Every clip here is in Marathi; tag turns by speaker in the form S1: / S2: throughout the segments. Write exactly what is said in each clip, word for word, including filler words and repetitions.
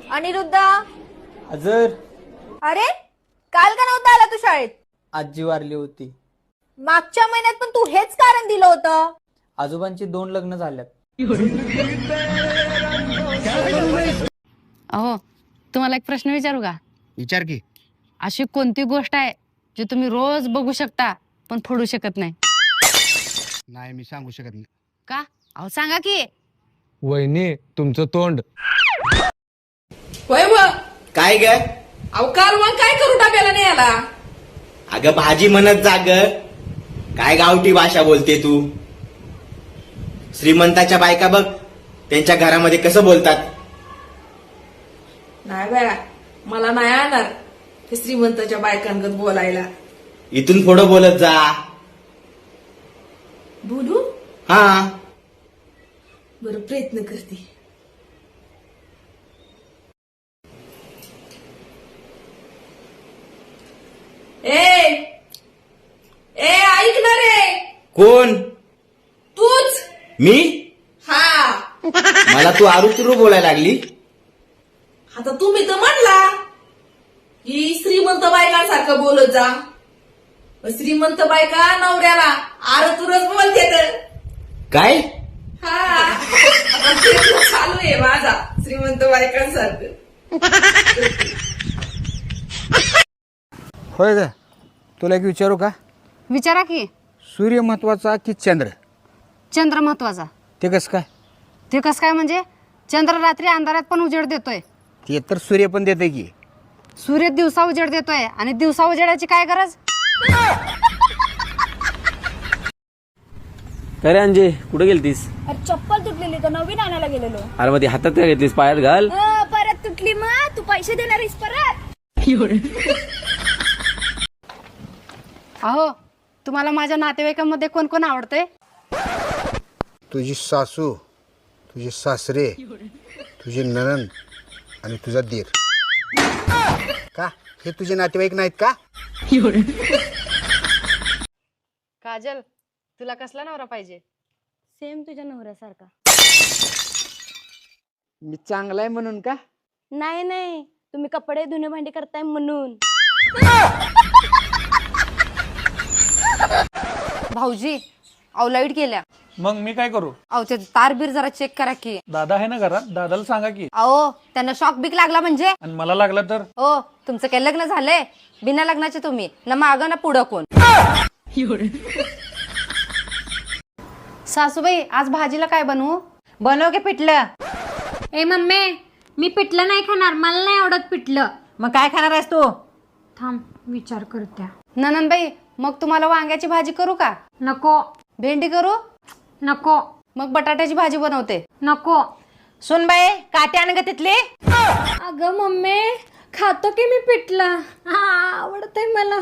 S1: अनिरुद्ध
S2: हजर.
S1: अरे काल का नव्हता आला तू शाळेत?
S2: आजी वारली होती.
S1: मागच्या महिन्यात पण तू हेच कारण दिलं होतं.
S2: आजोबांची दोन लग्न झाल्यात.
S3: अहो तुम्हाला एक प्रश्न विचारू का?
S4: विचार की.
S3: अशी कोणती गोष्ट आहे जी तुम्ही रोज बघू शकता पण फोडू शकत नाही?
S4: नाही मी सांगू शकत नाही.
S3: का? अहो सांगा की.
S5: वहिनी तुमचं तोंड.
S6: होय व
S7: काय ग?
S6: अहो काल मग काय करू डब्याला नाही आला?
S7: अगं भाजी म्हणत जा ग. काय गावठी भाषा बोलते तू? श्रीमंताच्या बायका बघ त्यांच्या घरामध्ये कसं बोलतात.
S6: नाही बाया, मला नाही आणणार ते श्रीमंताच्या बायकांगत बोलायला.
S7: इथून पुढं बोलत जा.
S6: बोलू?
S7: हा.
S6: बरं प्रयत्न करते. ए ए ऐक ना रे.
S7: कोण?
S6: तूच.
S7: मी?
S6: हा.
S7: मला तू आरुतुरू बोलायला लागली.
S6: आता तुम्ही तर म्हणला की श्रीमंत बायकांसारखं बोलत जा. श्रीमंत बायका नवऱ्याला आरतुरच बोलते तर
S7: काय?
S6: हा. आता प्रयत्न चालू आहे माझा श्रीमंत बायकांसारखं.
S4: होय ग. तुला एक विचारू का?
S3: विचारा की.
S4: सूर्य महत्वाचा की चंद्र?
S3: चंद्र महत्वाचा.
S4: ते कसं काय?
S3: ते कसं काय म्हणजे? चंद्र रात्री अंधारात पण उजेड देतोय.
S4: ते तर सूर्य पण देते की.
S3: सूर्य दिवसा उजेड देतोय आणि दिवसा उजेडाची काय गरज?
S8: काय रे अंजे, कुठे गेलतीस?
S1: अरे चप्पल तुटलेली तर नवीन आणायला गेलेलो.
S8: अरे मग ती हातात काय घेतलीस? पायात घाल.
S1: परत तुटली मग तू पैसे देणार आहेस परत?
S3: अहो तुम्हाला माझ्या नातेवाईकांमध्ये कोण कोण आवडतंय?
S4: तुझी सासू, तुझे सासरे, तुझे नणंद आणि तुझा दीर. का हे तुझे नातेवाईक नाहीत का?
S3: काजल तुला कसला नवरा पाहिजे?
S1: सेम तुझ्या नवऱ्यासारखा.
S4: मी चांगला आहे म्हणून का?
S1: नाही नाही तुम्ही कपडे धुणे भांडी करताय म्हणून.
S3: भाऊजी अहो लाईट गेल्या.
S2: मग मी काय करू?
S3: अहो ते तार बीर जरा चेक करा की.
S2: दादा आहे ना घरात, दादाला सांगा की.
S3: अहो त्यांना शॉक बिक लागला म्हणजे?
S2: आणि मला लागला तर?
S3: हो तुमचं काय लग्न झालंय? बिना लग्नाचे तुम्ही ना मागं ना पुढं कोण. सासूबाई आज भाजीला काय बनवू?
S9: बनव की पिठलं.
S1: ए मम्मी मी पिठलं नाही खाणार, मला नाही आवडत पिठलं.
S9: मग काय खाणार आहेस तू?
S1: थांब विचार करत्या.
S3: ननंदबाई मग तुम्हाला वांग्याची भाजी करू का?
S1: नको.
S3: भेंडी करू?
S1: नको.
S3: मग बटाट्याची भाजी बनवते.
S1: नको.
S9: सुन बाई काटे आण ग तिथली.
S1: अगं मम्मी खातो की मी पिठलं, हा आवडतंय मला.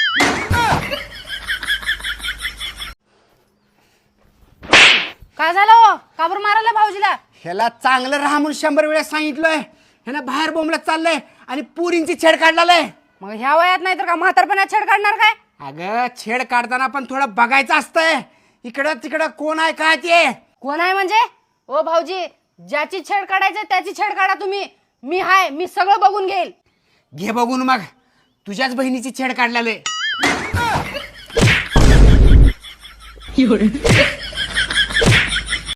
S3: काय झालं हो? का बरं मारायला भाऊजीला?
S4: ह्याला चांगलं राहा म्हणून शंभर वेळा सांगितलंय. ह्याला बाहेर बोंबलत चाललंय आणि पुरींची छेड काढलाय.
S3: मग ह्या वयात नाही तर का म्हातारपणात छेड काढणार काय?
S4: अगं छेड काढताना पण थोडं बघायचं असतंय. इकडं तिकडं कोण आहे काय ते.
S3: कोण आहे म्हणजे? ओ भाऊजी ज्याची छेड काढायची त्याची छेड काढा तुम्ही. मी हाय, मी सगळं बघून घेईल.
S4: घे बघून मग. तुझ्याच बहिणीची छेड काढलेले.